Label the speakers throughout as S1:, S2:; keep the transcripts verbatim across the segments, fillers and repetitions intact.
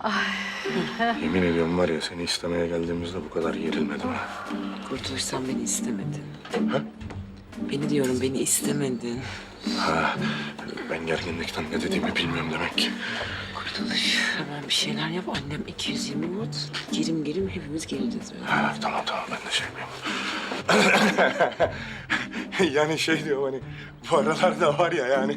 S1: Yemin ediyorum var ya seni istemeye geldiğimizde bu kadar gerilmedim ha.
S2: Kurtuluş, sen beni istemedin.
S1: Ha?
S2: Beni diyorum, beni istemedin.
S1: Ha, ben gerginlikten ne dediğimi bilmiyorum demek ki.
S2: Kurtuluş, hemen bir şeyler yap. Annem iki yüz yirmi watt. Girim girim hepimiz geleceğiz böyle.
S1: Ha, tamam tamam ben de şey yapayım. Yani şey diyorum hani bu aralarda var ya yani.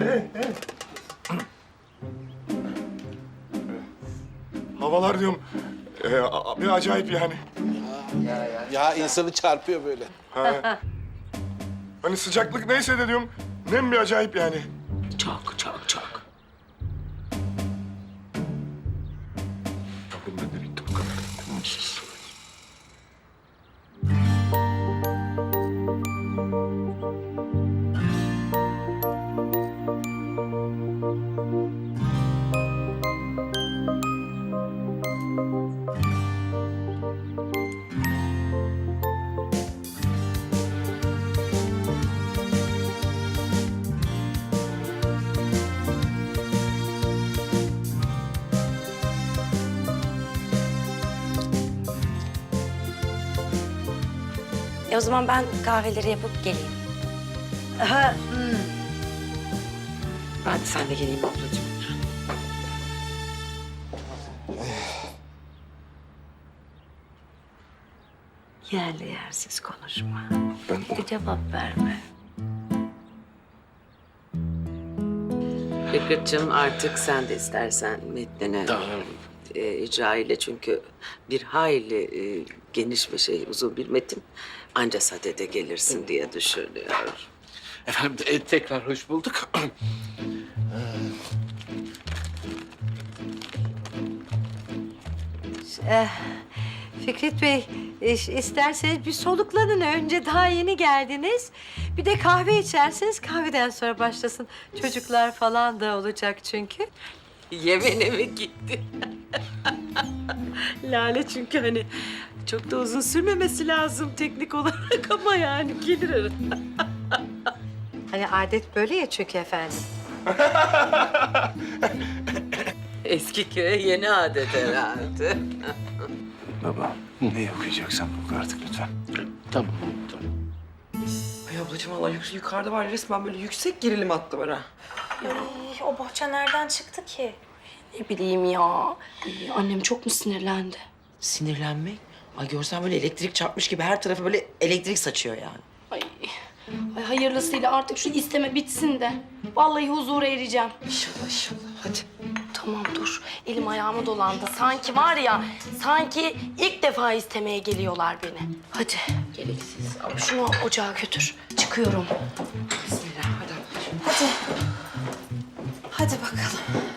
S1: Havalar diyorum e, a- bir acayip yani.
S3: Ya insanı çarpıyor böyle.
S1: Ha. Hani sıcaklık neyse de diyorum nem bir acayip yani.
S2: Çok çok çok.
S1: Bakın ben de bitti bu kadar. Mutsuz.
S4: E o zaman ben kahveleri yapıp geleyim.
S2: Ha, hmm. Ben de sen de geleyim ablacığım.
S4: Yerli yersiz konuşma.
S1: Ben
S4: Bir cevap verme.
S2: Fikret'cığım, artık sen de istersen metnine e, icra ile, çünkü bir hayli e, geniş bir şey, uzun bir metin. Anca sadede gelirsin diye düşünüyorum.
S3: Efendim e, tekrar hoş bulduk.
S5: Eh, Fikret Bey, iş- isterseniz bir soluklanın. Önce daha yeni geldiniz. Bir de kahve içerseniz kahveden sonra başlasın. Çocuklar falan da olacak çünkü.
S2: Yemene mi gitti? Lale, çünkü hani çok da uzun sürmemesi lazım teknik olarak ama yani gelir arada.
S5: Hani adet böyle ya çünkü efendim.
S2: Eski köye yeni adet herhalde.
S1: baba ne okuyacaksan oku artık lütfen.
S3: Tamam, tamam.
S6: Ay ablacığım valla yük- yukarıda var ya, resmen böyle yüksek gerilim hattı var ha.
S4: Ay, o bohça nereden çıktı ki? Ne bileyim ya. Ay, annem çok mu sinirlendi?
S6: Sinirlenmek? Ay görsen böyle elektrik çarpmış gibi her tarafa böyle elektrik saçıyor yani.
S4: Ay, ay hayırlısıyla artık şu isteme bitsin de. Vallahi huzura ereceğim.
S6: İnşallah inşallah hadi.
S4: Tamam dur. Elim ayağıma dolandı. Sanki var ya, sanki ilk defa istemeye geliyorlar beni. Hadi. Gereksiz. Al şunu ocağa götür. Çıkıyorum.
S6: Bismillah hadi ablacığım.
S5: Hadi. Hadi bakalım.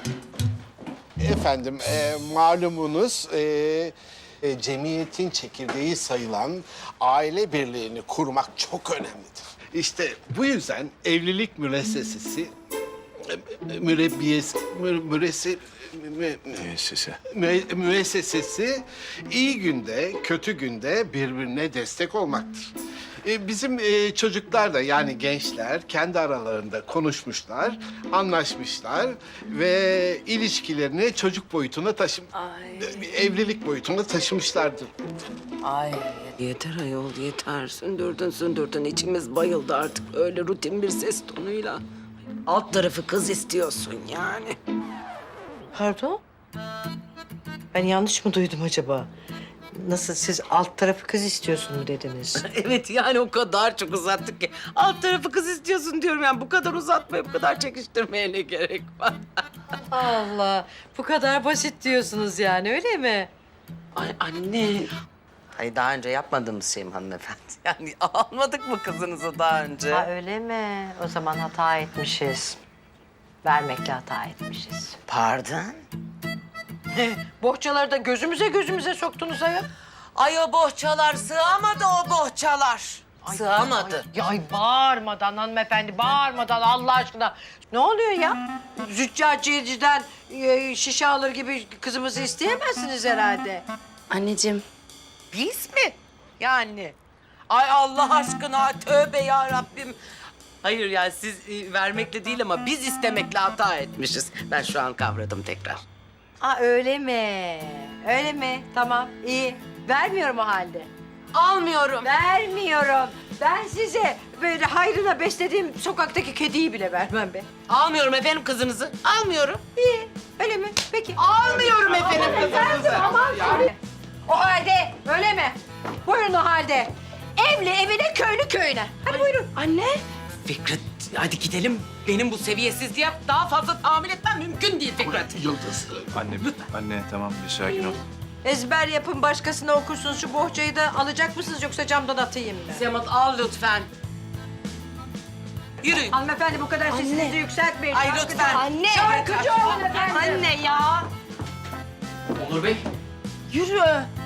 S3: Efendim e, malumunuz e, e, cemiyetin çekirdeği sayılan aile birliğini kurmak çok önemlidir. İşte bu yüzden evlilik müessesesi, e, mürebbiyesi, mü, müresi, mü, mü-
S1: Sesi.
S3: Müe- müessesesi iyi günde, kötü günde birbirine destek olmaktır. Ee, bizim e, çocuklar da yani gençler kendi aralarında konuşmuşlar, anlaşmışlar ve ilişkilerini çocuk boyutuna taşım... e, evlilik boyutuna taşımışlardır.
S2: Ay yeter ayol, yeter. Sündürdün sündürdün, içimiz bayıldı artık öyle rutin bir ses tonuyla. Alt tarafı kız istiyorsun yani.
S5: Pardon? Ben yanlış mı duydum acaba? Nasıl, siz alt tarafı kız istiyorsun mu dediniz?
S2: Evet, yani o kadar çok uzattık ki. Alt tarafı kız istiyorsun diyorum, yani bu kadar uzatmaya, bu kadar çekiştirmeye ne gerek var?
S5: Allah, bu kadar basit diyorsunuz yani, öyle mi?
S2: Ay anne. Hayır, daha önce yapmadığımız şey mi hanımefendi? Yani almadık mı kızınızı daha önce?
S5: Ha öyle mi? O zaman hata etmişiz. Vermekle hata etmişiz.
S2: Pardon?
S5: Bohçaları da gözümüze gözümüze soktunuz ayol.
S2: Ay o bohçalar sığamadı, o bohçalar. Sığamadı.
S5: Ya ay bağırmadan hanımefendi, bağırmadan Allah aşkına. Ne oluyor ya? Züccaciyeciden e, şişe alır gibi kızımızı isteyemezsiniz herhalde.
S4: Anneciğim,
S2: Biz mi? Yani. Ay Allah aşkına, tövbe ya Rabbim. Hayır yani siz e, vermekle değil ama biz istemekle hata etmişiz. Ben şu an kavradım tekrar.
S5: Aa öyle mi? Öyle mi? Tamam, iyi. Vermiyorum o halde.
S4: Almıyorum.
S5: Vermiyorum. Ben size böyle hayrına beslediğim sokaktaki kediyi bile vermem be.
S6: Almıyorum efendim kızınızı. Almıyorum.
S5: İyi, öyle mi? Peki.
S6: Almıyorum efendim kızınızı.
S5: Aman tabii. O halde, öyle mi? Buyurun o halde. Evli evine, köylü köyüne. Hadi buyurun.
S4: Anne.
S6: Fikret hadi gidelim. Benim bu seviyesizliğe daha fazla tahammül etmem mümkün değil Fikret.
S3: Yıldız.
S7: Anne, anne tamam bir sakin ol.
S5: Ezber yapın, başkasına okursunuz. Şu bohçayı da alacak mısınız yoksa camdan atayım mı?
S6: Semat al lütfen. Yürüyün.
S5: Hanımefendi bu kadar sesinizi yükseltmeyin.
S6: Ay
S5: Şarkıcı-
S6: lütfen.
S4: Anne.
S5: Şarkıcı olun efendim.
S4: Anne ya.
S6: Onur Bey.
S4: Yürü.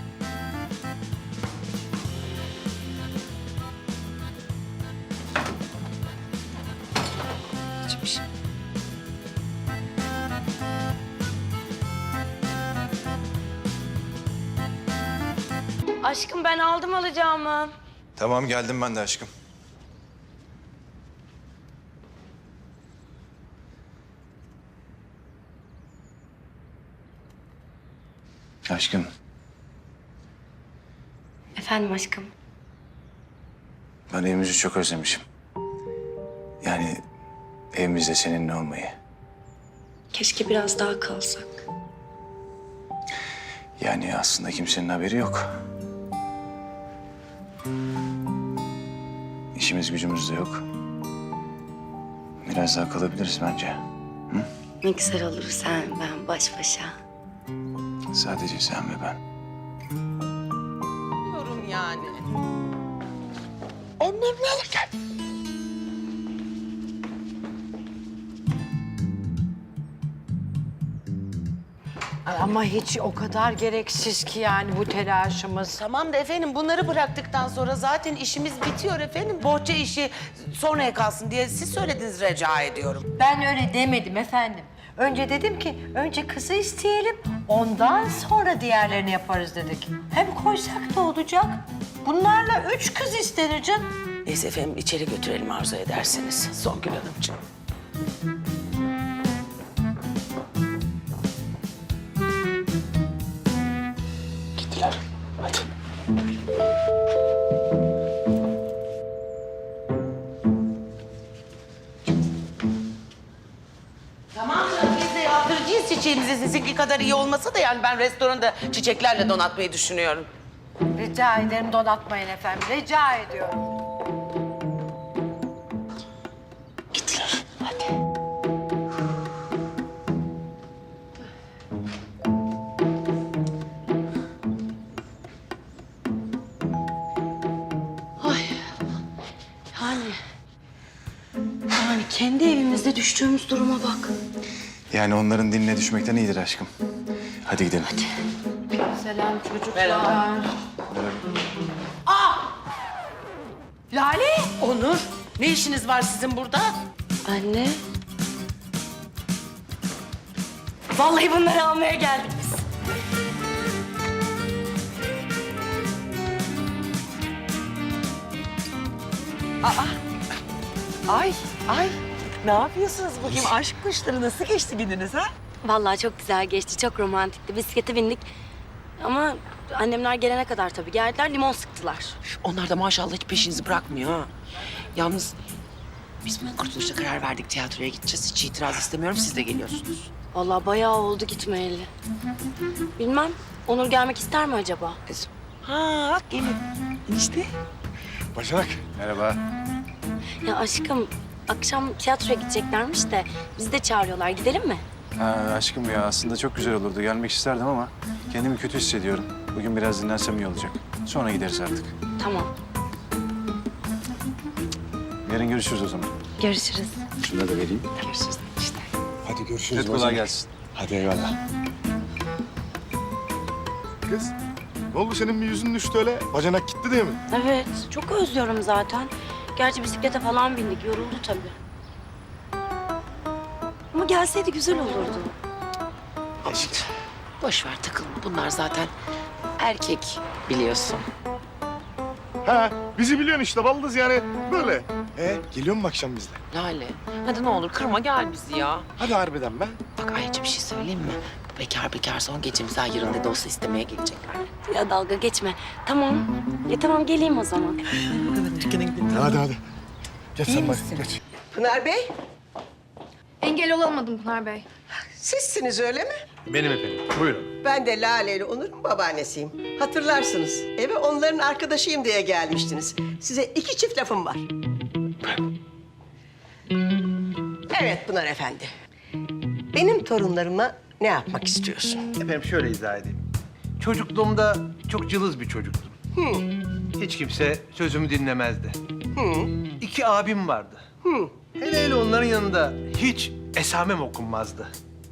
S4: Aşkım ben aldım alacağımı.
S7: Tamam geldim ben de aşkım. Aşkım,
S4: Efendim aşkım.
S7: ben evimizi çok özlemişim. Yani evimizde seninle olmayı.
S4: Keşke biraz daha kalsak.
S7: Yani aslında kimsenin haberi yok. İşimiz gücümüz de yok. Biraz daha kalabiliriz bence.
S8: Ne güzel olur sen, ben baş başa.
S7: Sadece sen ve ben.
S6: Diyorum yani.
S5: Ay, ama hiç o kadar gereksiz ki yani bu telaşımız.
S6: Tamam da efendim bunları bıraktıktan sonra zaten işimiz bitiyor efendim. Bohça işi sonraya kalsın diye siz söylediniz rica ediyorum.
S5: Ben öyle demedim efendim. Önce dedim ki önce kızı isteyelim, ondan sonra diğerlerini yaparız dedik. Hem koysak da olacak. Bunlarla üç kız istenir canım.
S2: Neyse efendim içeri götürelim arzu ederseniz Songül Hanımcığım. Gittiler. Hadi.
S6: Tamam canım biz de yaptıracağız çiçeğimizi sizinki kadar iyi olmasa da yani ben restoranda çiçeklerle donatmayı düşünüyorum.
S5: Rica ederim donatmayın efendim, rica ediyorum.
S7: Gittiler.
S4: Yani. Yani kendi evimizde düştüğümüz duruma bak.
S7: Yani onların diline düşmekten iyidir aşkım. Hadi gidelim.
S5: Selam çocuklar.
S6: Merhaba.
S4: Lale.
S6: Onur ne işiniz var sizin burada?
S4: Anne. Vallahi bunları almaya geldik biz.
S6: Ay ay ne yapıyorsunuz bugün aşk kuşları nasıl geçti gününüz ha?
S8: Vallahi çok güzel geçti, çok romantikti. Bisiklete bindik. Ama annemler gelene kadar tabii geldiler, limon sıktılar.
S6: Onlar da maşallah hiç peşinizi bırakmıyor ha. Yalnız biz bugün kurtuluşta karar verdik tiyatroya gideceğiz. Hiç itiraz istemiyorum siz de geliyorsunuz.
S8: Vallahi bayağı oldu gitmeyeli. Bilmem, Onur gelmek ister mi acaba?
S6: Ha bak gelin. İşte.
S1: Bacanak.
S7: Merhaba.
S8: Ya aşkım, akşam tiyatroya gideceklermiş de bizi de çağırıyorlar. Gidelim mi?
S7: Ha, aşkım ya aslında çok güzel olurdu. Gelmek isterdim ama kendimi kötü hissediyorum. Bugün biraz dinlensem iyi olacak. Sonra gideriz artık.
S8: Tamam,
S7: Yarın görüşürüz o zaman.
S8: görüşürüz.
S7: Şunu da vereyim.
S6: Görüşürüz işte.
S1: Hadi görüşürüz.
S7: Kolay
S1: bacanak.
S7: gelsin.
S1: Hadi eyvallah. Kız ne oldu senin bir yüzün düştü öyle? Bacanak gitti diye mi?
S8: Evet, çok özlüyorum zaten. Gerçi bisiklete falan bindik, yoruldu tabii. Ama gelseydi güzel olurdu.
S6: Aşk. Boş ver takılma. Bunlar zaten erkek biliyorsun.
S1: Ha bizi biliyorsun işte baldız yani böyle. E geliyor mu akşam bizle?
S6: Lale hadi ne olur kırma gel bizi ya.
S1: Hadi harbiden be.
S6: Bak ayrıca bir şey söyleyeyim mi? bekar bekar son gecemizi ayırın dedi olsa istemeye gelecekler.
S8: Ya dalga geçme. Tamam. Ya tamam geleyim o zaman.
S1: Hadi hadi. Geç sen bak geç.
S9: Pınar Bey,
S10: Engel olamadım Pınar Bey.
S9: sizsiniz öyle mi?
S7: Benim efendim. Buyurun.
S9: Ben de Lale ile Onur'un babaannesiyim. Hatırlarsınız, eve onların arkadaşıyım diye gelmiştiniz. Size iki çift lafım var. Evet Pınar Efendi. Benim torunlarıma ne yapmak istiyorsun?
S11: Efendim şöyle izah edeyim. Çocukluğumda çok cılız bir çocuktum. Hiç kimse sözümü dinlemezdi. İki abim vardı. Hele hele onların yanında hiç esamem okunmazdı.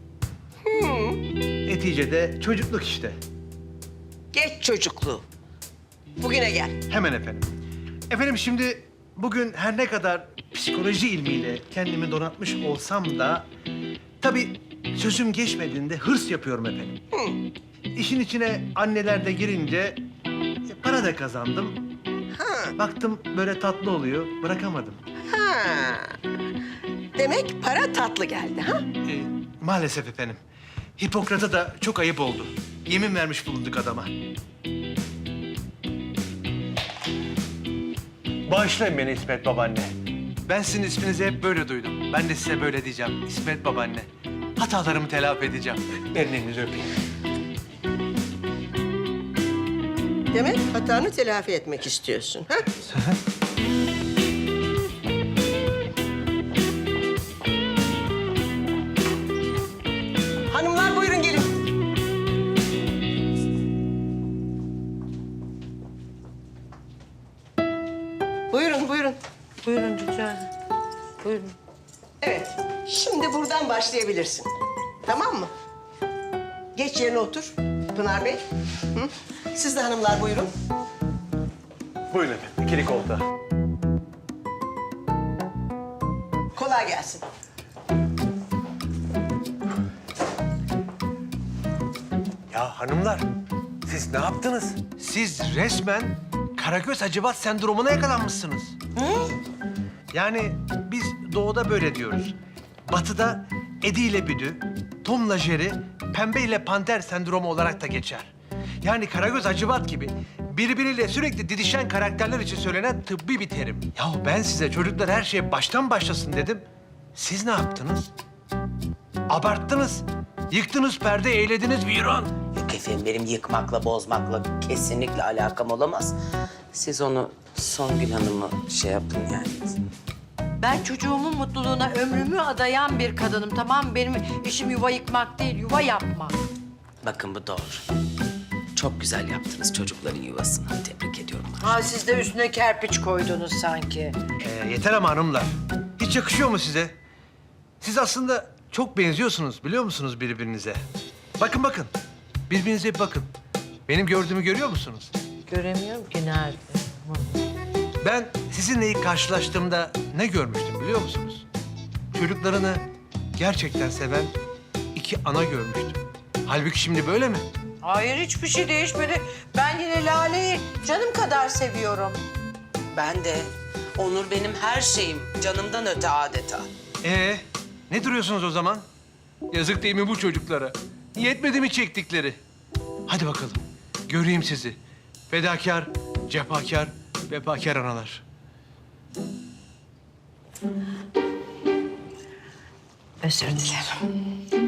S11: Neticede çocukluk işte.
S9: Geç çocukluğu. Bugüne gel.
S11: Hemen efendim. Efendim şimdi bugün her ne kadar psikoloji ilmiyle kendimi donatmış olsam da... tabii sözüm geçmediğinde hırs yapıyorum efendim. İşin içine anneler de girince e, para da kazandım. Baktım böyle tatlı oluyor, bırakamadım.
S9: Ha. Demek para tatlı geldi ha?
S11: E, maalesef efendim. Hipokrat'a da çok ayıp oldu. Yemin vermiş bulunduk adama. Bağışlayın beni İsmet babaanne. Ben sizin isminizi hep böyle duydum. Ben de size böyle diyeceğim. İsmet babaanne. Hatalarımı telafi edeceğim. Verin elinizi öpeyim.
S9: Demek hatanı telafi etmek istiyorsun ha? Hanımlar buyurun gelin. Buyurun, buyurun.
S5: Buyurun rica ederim. Buyurun.
S9: Evet, şimdi buradan başlayabilirsin. Tamam mı? Geç yerine otur Pınar Bey. Hı? Siz de hanımlar buyurun.
S11: Buyurun efendim. İkili koltuğa.
S9: Kolay gelsin.
S11: Ya hanımlar, siz ne yaptınız? Siz resmen Karagöz Hacivat sendromuna yakalanmışsınız. Yani biz doğuda böyle diyoruz. Batıda Edi ile Büdü, Tom'la Jerry, Pembe ile Panter sendromu olarak da geçer. Yani Karagöz Hacivat gibi birbiriyle sürekli didişen karakterler için söylenen tıbbi bir terim. Yahu ben size çocuklar her şeye baştan başlasın dedim. Siz ne yaptınız? Abarttınız. Yıktınız perde, eğlediniz viran.
S2: Yok efendim benim yıkmakla bozmakla kesinlikle alakam olamaz. Siz onu Songül Hanım'ı şey yapın yani.
S5: Ben çocuğumun mutluluğuna ömrümü adayan bir kadınım, tamam mı? Benim işim yuva yıkmak değil, yuva yapmak.
S2: Bakın bu doğru. Çok güzel yaptınız çocukların yuvasını. Tebrik ediyorum.
S5: Ha siz de üstüne kerpiç koydunuz sanki.
S11: Ee, yeter ama hanımlar. Hiç yakışıyor mu size? Siz aslında çok benziyorsunuz biliyor musunuz birbirinize? Bakın bakın. Birbirinize bir bakın. Benim gördüğümü görüyor musunuz?
S5: Göremiyorum ki nerede.
S11: Ben sizinle ilk karşılaştığımda ne görmüştüm biliyor musunuz? Çocuklarını gerçekten seven iki ana görmüştüm. Halbuki şimdi böyle mi?
S5: Hayır hiçbir şey değişmedi. Ben yine Lale'yi canım kadar seviyorum.
S2: Ben de. Onur benim her şeyim. Canımdan öte adeta.
S11: Ee, ne duruyorsunuz o zaman? Yazık değil mi bu çocuklara? Yetmedi mi çektikleri? Hadi bakalım, göreyim sizi. Fedakar, cefakar, vefakar analar.
S5: Özür dilerim.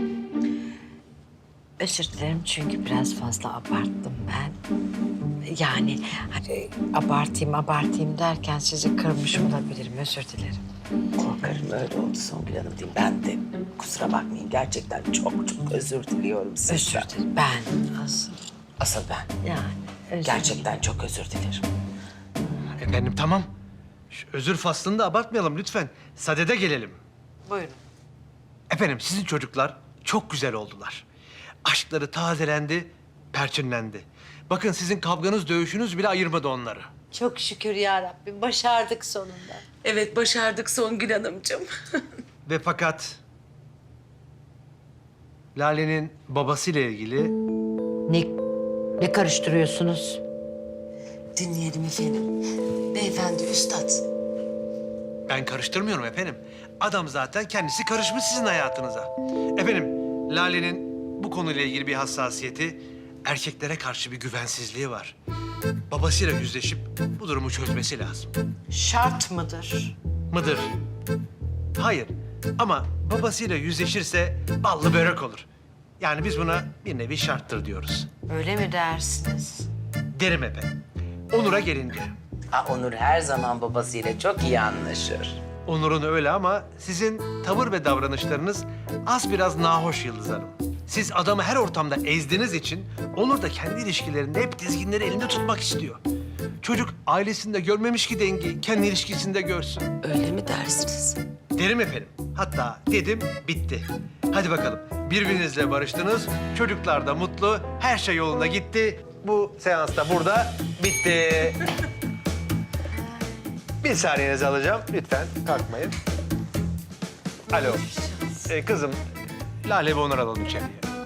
S5: Özür dilerim çünkü biraz fazla abarttım ben. Yani hani abartayım abartayım derken sizi kırmış olabilirim. Özür dilerim.
S2: Korkarım öyle oldu Songül Hanım değil. Ben de kusura bakmayın. Gerçekten çok çok özür diliyorum sizden.
S5: Özür dilerim. Ben asıl
S2: Asıl ben.
S5: yani özür
S2: Gerçekten çok özür dilerim.
S11: Efendim tamam. Şu özür faslını da abartmayalım lütfen. Sadede gelelim.
S5: Buyurun.
S11: Efendim sizin çocuklar çok güzel oldular. Aşkları tazelendi, perçinlendi. Bakın sizin kavganız, dövüşünüz bile ayırmadı onları.
S5: Çok şükür ya Rabbim başardık sonunda.
S2: Evet başardık Songül Hanımcığım.
S11: Ve fakat Lale'nin babasıyla ilgili
S5: Ne, ne karıştırıyorsunuz?
S2: Dinleyelim efendim. Beyefendi, üstad.
S11: ben karıştırmıyorum efendim. Adam zaten kendisi karışmış sizin hayatınıza. Efendim Lale'nin bu konuyla ilgili bir hassasiyeti, erkeklere karşı bir güvensizliği var. Babasıyla yüzleşip bu durumu çözmesi lazım.
S2: Şart mıdır?
S11: Mıdır? Hayır. Ama babasıyla yüzleşirse ballı börek olur. Yani biz buna bir nevi şarttır diyoruz.
S2: Öyle mi dersiniz?
S11: Derim efendim. Onur'a gelince.
S2: Ha, Onur her zaman babasıyla çok iyi anlaşır.
S11: Onur'un öyle ama sizin tavır ve davranışlarınız az biraz nahoş Yıldız Hanım. Siz adamı her ortamda ezdiğiniz için Onur da kendi ilişkilerinde hep dizginleri elinde tutmak istiyor. Çocuk ailesinde görmemiş ki dengi kendi ilişkisinde görsün.
S2: Öyle mi dersiniz?
S11: Derim efendim. Hatta dedim bitti. Hadi bakalım birbirinizle barıştınız. Çocuklar da mutlu. Her şey yolunda gitti. Bu seans da burada bitti. Bir saniyenizi alacağım. Lütfen kalkmayın. Alo. Ee, kızım, Lale ve Onur alalım içeriye.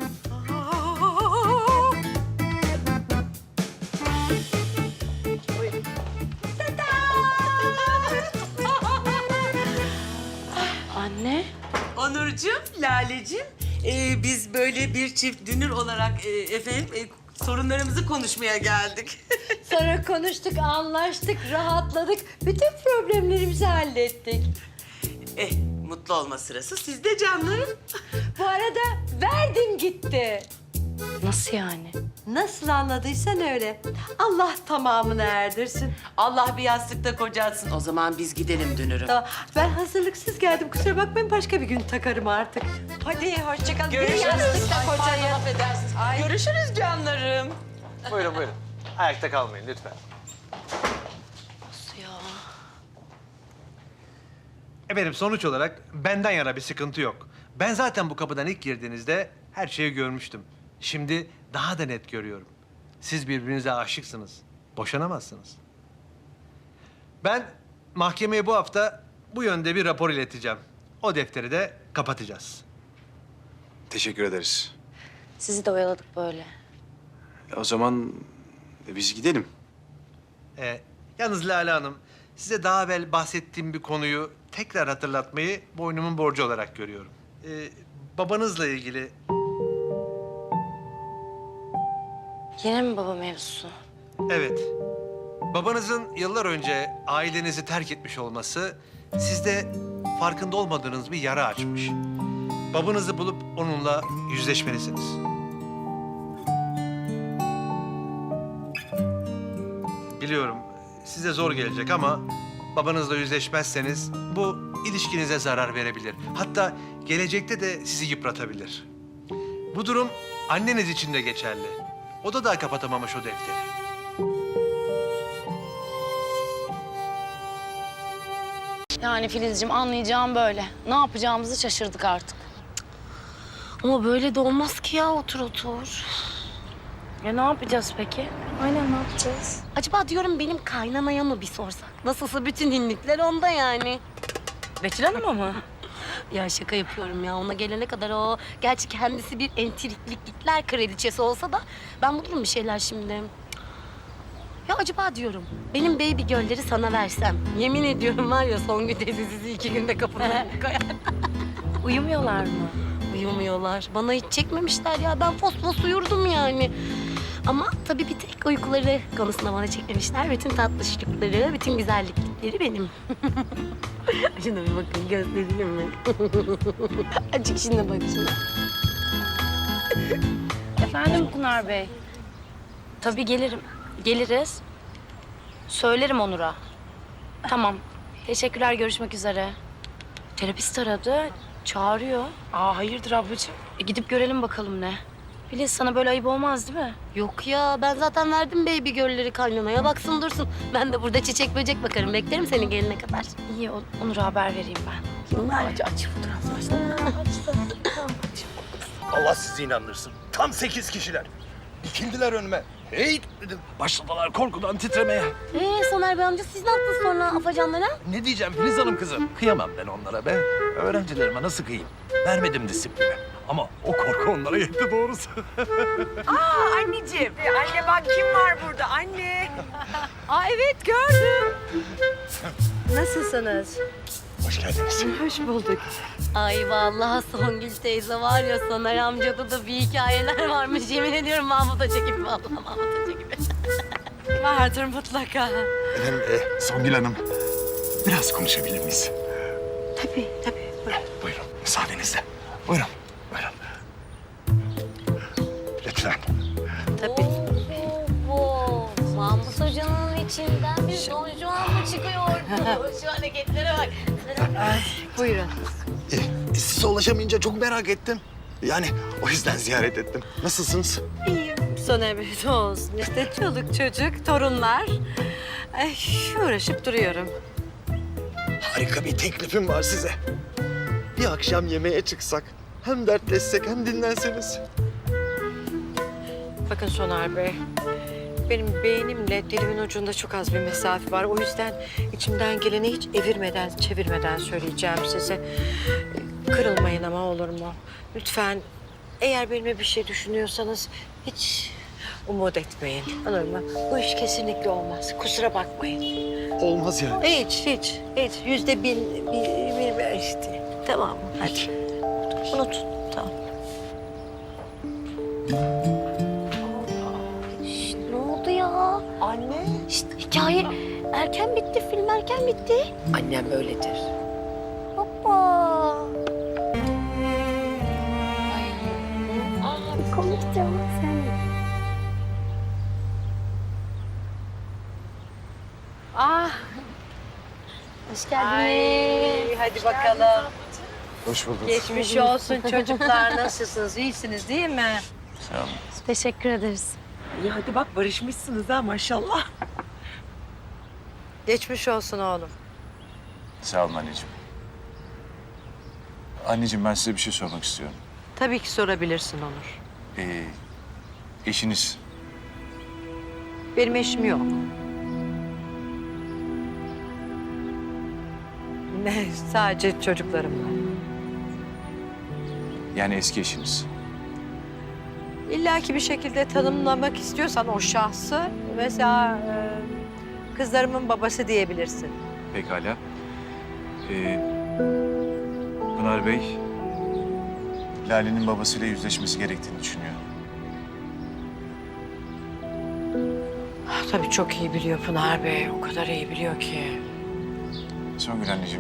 S8: Anne.
S2: Onurcuğum, Laleciğim, e, biz böyle bir çift dünür olarak e, efendim e, sorunlarımızı konuşmaya geldik.
S5: Sonra konuştuk, anlaştık, rahatladık. Bütün problemlerimizi hallettik.
S2: eh, mutlu olma sırası sizde canlarım.
S5: Bu arada verdim gitti.
S8: Nasıl yani?
S5: Nasıl anladıysan öyle. Allah tamamını erdirsin.
S2: Allah bir yastıkta kocatsın. O zaman biz gidelim dünürüm.
S5: Tamam. Ben hazırlıksız geldim. Kusura bakmayın, başka bir gün takarım artık. Hadi hoşça kalın. Bir
S2: Görüşürüz.
S5: yastıkta
S2: Ay,
S5: kocayın.
S2: pardon, affedersiniz. Görüşürüz canlarım.
S11: Buyurun buyurun. Ayakta kalmayın lütfen.
S8: Nasıl ya?
S11: Efendim sonuç olarak benden yana bir sıkıntı yok. Ben zaten bu kapıdan ilk girdiğinizde her şeyi görmüştüm. Şimdi daha da net görüyorum. Siz birbirinize aşıksınız. Boşanamazsınız. Ben mahkemeye bu hafta bu yönde bir rapor ileteceğim. O defteri de kapatacağız.
S7: Teşekkür ederiz.
S8: Sizi de oyaladık böyle.
S7: O zaman biz gidelim.
S11: Ee, yalnız Lale Hanım, size daha evvel bahsettiğim bir konuyu tekrar hatırlatmayı boynumun borcu olarak görüyorum. Ee, babanızla ilgili
S8: Yine mi baba mevzusu?
S11: evet. Babanızın yıllar önce ailenizi terk etmiş olması sizde farkında olmadığınız bir yara açmış. Babanızı bulup onunla yüzleşmelisiniz. Biliyorum size zor gelecek ama babanızla yüzleşmezseniz bu ilişkinize zarar verebilir. Hatta gelecekte de sizi yıpratabilir. Bu durum anneniz için de geçerli. O da daha kapatamamış o defteri.
S8: Yani Filizciğim anlayacağım böyle. Ne yapacağımızı şaşırdık artık. Ama böyle de olmaz ki ya, otur otur. Ya ne yapacağız peki?
S10: Aynen ne yapacağız?
S8: Acaba diyorum benim kaynanaya mı bir sorsak? Nasılsa bütün hinlikler onda yani.
S10: Betül Hanım'a mı?
S8: Ya şaka yapıyorum ya. Ona gelene kadar o... Gerçi kendisi bir entriklikler kraliçesi olsa da... Ben bulurum bir şeyler şimdi. Ya acaba diyorum, benim baby girl'leri sana versem... Yemin ediyorum var ya Songül teyze sizi iki günde kapının önüne koyar.
S10: Uyumuyorlar mı?
S8: Uyumuyorlar. Bana hiç çekmemişler ya. Ben fos fos uyurdum yani. Ama tabii bir tek uykuları konusunda bana çekmemişler. Bütün tatlışlıkları, bütün güzellikleri benim. Şuna bir bakın, göstereyim mi? Açık şimdi bak şuna.
S10: Efendim Pınar Bey?
S8: Tabii gelirim. Geliriz. Söylerim Onur'a. Tamam. Teşekkürler, görüşmek üzere. Terapist aradı. Çağırıyor.
S10: Aa hayırdır ablacığım?
S8: E, gidip görelim bakalım ne. Filiz sana böyle ayıp olmaz değil mi? Yok ya, ben zaten verdim baby girl'leri kaynanaya. Baksın dursun. Ben de burada çiçek böcek bakarım. Beklerim seni gelene kadar.
S10: İyi o- Onur'a haber vereyim ben.
S8: Aç, aç fotoğraflar.
S12: Allah sizi inandırsın. Tam sekiz kişiler. Dikildiler önüme. Hey dedim. Başladılar korkudan titremeye.
S8: Ee Soner Bey amca, siz ne yaptınız sonra afacanlara?
S12: Ne diyeceğim Filiz Hanım kızım? Kıyamam ben onlara be. Öğrencilerime nasıl kıyayım? Vermedim disiplini. Ama o korku onlara yetti doğrusu.
S6: Anneciğim, anne bak kim var burada anne.
S5: Aa evet, gördüm. Nasılsınız?
S1: Hoş geldiniz.
S5: Hoş bulduk.
S8: Ay vallahi Songül teyze var ya, Soner amcada da bir hikayeler varmış. Yemin ediyorum Mahmut Hoca gibi, vallahi Mahmut Hoca gibi.
S5: Vardır mutlaka.
S1: Efendim, e, Songül Hanım, biraz konuşabilir miyiz?
S5: Tabii, tabii.
S1: Buyurun, müsaadenizle. Buyurun, buyurun. Lütfen.
S5: Tabii.
S8: Oo, Mahmut Hoca'nın içinden bir Don Juan mı çıkıyordu? Şu hareketlere bak.
S5: Ay, buyurun.
S1: E, size ulaşamayınca çok merak ettim. Yani o yüzden ziyaret ettim. Nasılsınız?
S5: İyiyim. Soner Bey ne olsun işte çoluk çocuk, torunlar. Ay, uğraşıp duruyorum.
S1: Harika bir teklifim var size. Bir akşam yemeğe çıksak, hem dertleşsek hem dinlenseniz.
S5: Bakın Soner Bey, benim beynimle dilimin ucunda çok az bir mesafe var. O yüzden içimden geleni hiç evirmeden, çevirmeden söyleyeceğim size. Kırılmayın ama olur mu? Lütfen eğer benimle bir şey düşünüyorsanız hiç umut etmeyin. Olur mu? Bu iş kesinlikle olmaz. Kusura bakmayın.
S1: Olmaz yani.
S5: Hiç, hiç, hiç. Yüzde bin, bir, bir, bir işte. Tamam mı? Hadi. Unut. Tamam.
S8: Şişt, ne oldu ya? Anne. Şişt, hikaye erken bitti, film erken bitti.
S2: Annem öyledir.
S8: Hoppa. Ay. Aa, komiktim sen.
S5: Ah,
S8: Hoş geldiniz.
S5: ay, hadi bakalım.
S1: Hoş bulduk.
S5: Geçmiş olsun çocuklar. Nasılsınız? İyisiniz değil mi?
S7: Sağ olun.
S8: Teşekkür ederiz.
S6: İyi hadi bak barışmışsınız ha maşallah.
S5: Geçmiş olsun oğlum.
S7: Sağ olun anneciğim. Anneciğim ben size bir şey sormak istiyorum.
S5: Tabii ki sorabilirsin Onur.
S7: Ee, eşiniz
S5: Benim eşim yok. Ne? Sadece çocuklarım var.
S7: yani eski eşiniz.
S5: İlla ki bir şekilde tanımlamak istiyorsan o şahsı mesela e, kızlarımın babası diyebilirsin.
S7: Pekala. Ee, Pınar Bey, Lale'nin babasıyla yüzleşmesi gerektiğini düşünüyor.
S5: Ah, tabii çok iyi biliyor Pınar Bey. O kadar iyi biliyor ki.
S7: Songül anneciğim,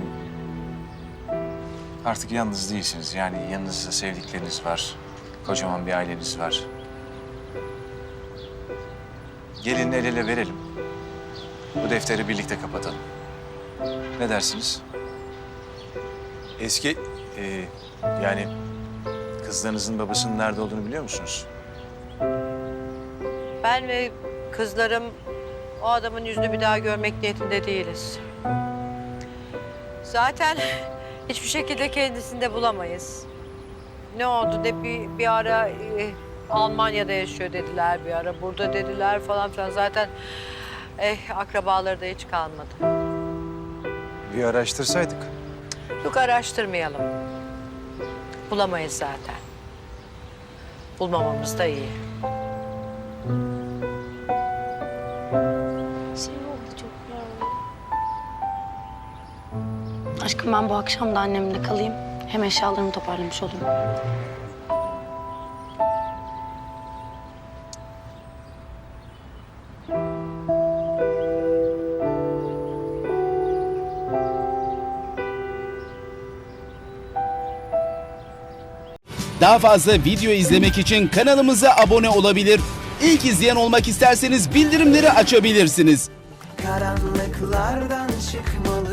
S7: artık yalnız değilsiniz. Yani yanınızda sevdikleriniz var. Kocaman bir aileniz var. Gelin el ele verelim. Bu defteri birlikte kapatalım. Ne dersiniz? Eski, e, yani kızlarınızın babasının nerede olduğunu biliyor musunuz?
S5: Ben ve kızlarım o adamın yüzünü bir daha görmek niyetinde değiliz. Zaten hiçbir şekilde kendisini de bulamayız. Ne oldu de bir, bir ara e, Almanya'da yaşıyor dediler, bir ara burada dediler falan filan. Zaten eh, akrabaları da hiç kalmadı.
S7: Bir araştırsaydık.
S5: Yok araştırmayalım. Bulamayız zaten. Bulmamamız da iyi.
S8: Şey oldu çok ya. Aşkım ben bu akşam da annemle kalayım. Hem eşyalarımı toparlamış olurum.
S13: Daha fazla video izlemek için kanalımıza abone olabilir. İlk izleyen olmak isterseniz bildirimleri açabilirsiniz.
S14: Karanlıklardan çıkmalı